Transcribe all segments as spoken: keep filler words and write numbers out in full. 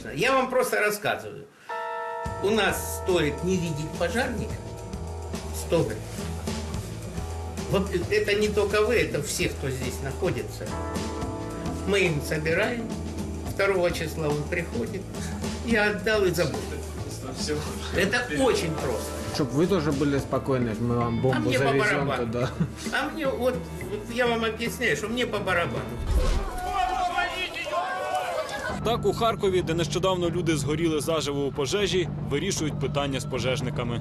конечно. Я вам просто рассказываю. У нас стоит не видеть пожарника сто гривен. Вот это не только вы, это все, кто здесь находится. Мы им собираем. второго числа он приходит. Я отдал и забыл. Это очень просто. Чтобы вы тоже были спокойны, мы вам бомбу а мне завезем по туда. А мне вот, вот я вам объясняю, что мне по барабану. Так у Харкові, де нещодавно люди згоріли заживо у пожежі, вирішують питання з пожежниками.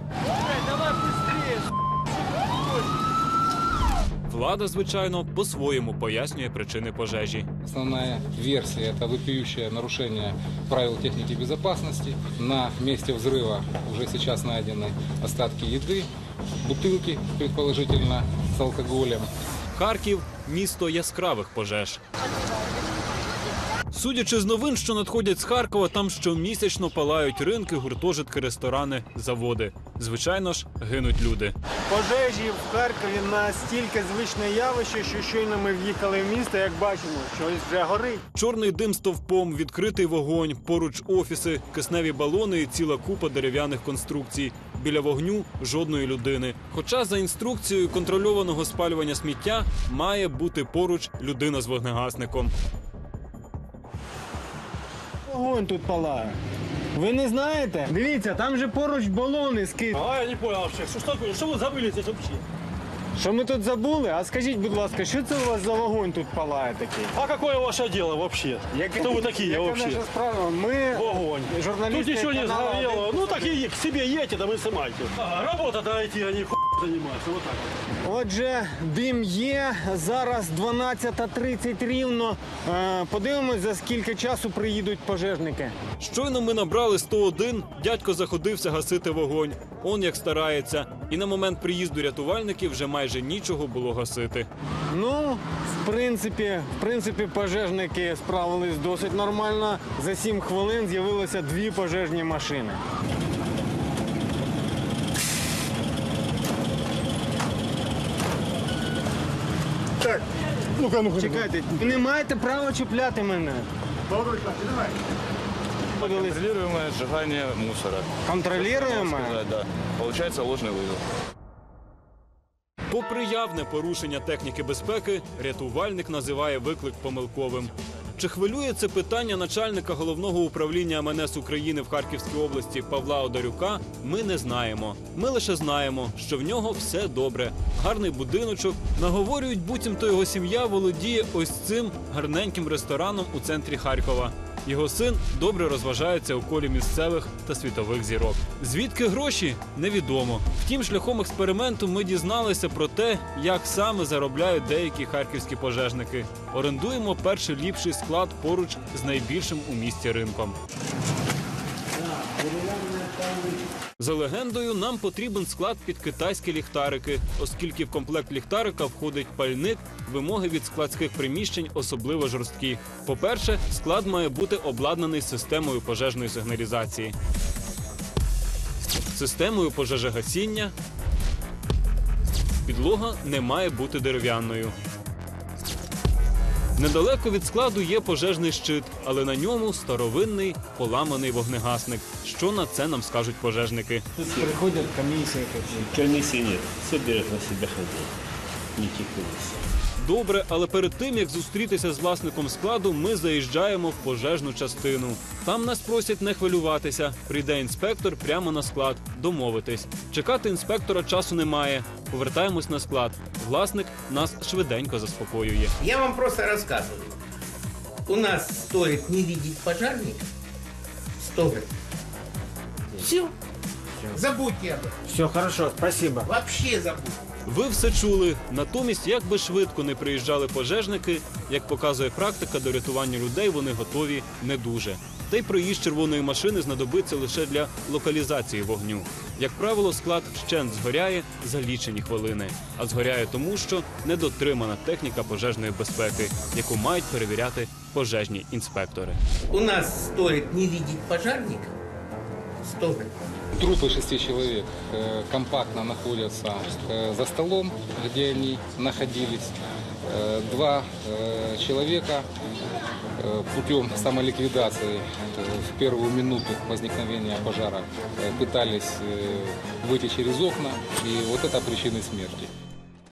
Влада, звичайно, по-своєму пояснює причини пожежі. Основная версия – это вопиющее нарушение правил техники безопасности. На месте взрыва уже сейчас найдены остатки еды, бутылки, предположительно, с алкоголем. Харків – місто яскравих пожеж. Судячи з новин, що надходять з Харкова, там щомісячно палають ринки, гуртожитки, ресторани, заводи. Звичайно ж, гинуть люди. Пожежі в Харкові настільки звичне явище, що щойно ми в'їхали в місто, як бачимо, щось вже горить. Чорний дим стовпом, відкритий вогонь, поруч офіси, кисневі балони і ціла купа дерев'яних конструкцій. Біля вогню жодної людини. Хоча за інструкцією контрольованого спалювання сміття має бути поруч людина з вогнегасником. Вогонь тут палає. Ви не знаєте? Дивіться, там же поруч балони скид. А я не понял вообще, что, что, что вы забыли здесь вообще? Що ми тут забули? А скажіть, будь ласка, що це у вас за вогонь тут палає такий? А какое ваше дело вообще? Яке- Кто вы такие яка вообще? наша справа? Ми Огонь. журналісти Тут ничего не каналу сгорело. «Один». Ну так и к себе едьте, да вы снимайте. А, работа дайте, они хуй занимаются. Вот так вот. Отже, дим є. Зараз дванадцята тридцять рівно. Е, Подивимось, за скільки часу приїдуть пожежники. Щойно ми набрали сто один, дядько заходився гасити вогонь. Он як старається. І на момент приїзду рятувальників вже майже нічого було гасити. Ну, в принципі, в принципі, пожежники справились досить нормально. За сім хвилин з'явилося дві пожежні машини. Так, ну-ка, ну-ка. Чекайте, ви не маєте права чіпляти мене. Контролируемое сжигание мусора. Контролюємо? Да. Получается ложный вызов. Попри явне порушення техніки безпеки, рятувальник називає виклик помилковим. Чи хвилює це питання начальника Головного управління ем ен ес України в Харківській області Павла Одарюка, ми не знаємо. Ми лише знаємо, що в нього все добре. Гарний будиночок. Наговорюють, буцімто його сім'я володіє ось цим гарненьким рестораном у центрі Харкова. Його син добре розважається у колі місцевих та світових зірок. Звідки гроші? Невідомо. Втім, шляхом експерименту ми дізналися про те, як саме заробляють деякі харківські пожежники. Орендуємо перший ліпший склад поруч з найбільшим у місті ринком. За легендою, нам потрібен склад під китайські ліхтарики, оскільки в комплект ліхтарика входить пальник, вимоги від складських приміщень особливо жорсткі. По-перше, склад має бути обладнаний системою пожежної сигналізації, системою пожежогасіння, підлога не має бути дерев'яною. Недалеко від складу є пожежний щит, але на ньому старовинний поламаний вогнегасник. Що на це нам скажуть пожежники? Приходять комісії. Комиссии нет. Все берет на себя хозяин. Никаких комиссий. Добре, але перед тим, як зустрітися з власником складу, ми заїжджаємо в пожежну частину. Там нас просять не хвилюватися. Прийде інспектор прямо на склад. Домовитись. Чекати інспектора часу немає. Повертаємось на склад. Власник нас швиденько заспокоює. Я вам просто рассказываю. У нас стоит не видеть пожарника сто гривен. Все. Забудьте об этом. Все, хорошо, спасибо. Вообще забудьте. Ви все чули. Натомість, як би швидко не приїжджали пожежники, як показує практика, до рятування людей вони готові не дуже. Та й проїзд червоної машини знадобиться лише для локалізації вогню. Як правило, склад вщент згоряє за лічені хвилини. А згоряє тому, що недотримана техніка пожежної безпеки, яку мають перевіряти пожежні інспектори. У нас стоит не видеть пожарника сто гривен. Трупы шести человек э, компактно находятся э, за столом, где они находились. Э, Два э, человека э, путем самоликвидации э, в первую минуту возникновения пожара э, пытались э, выйти через окна, и вот это причины смерти.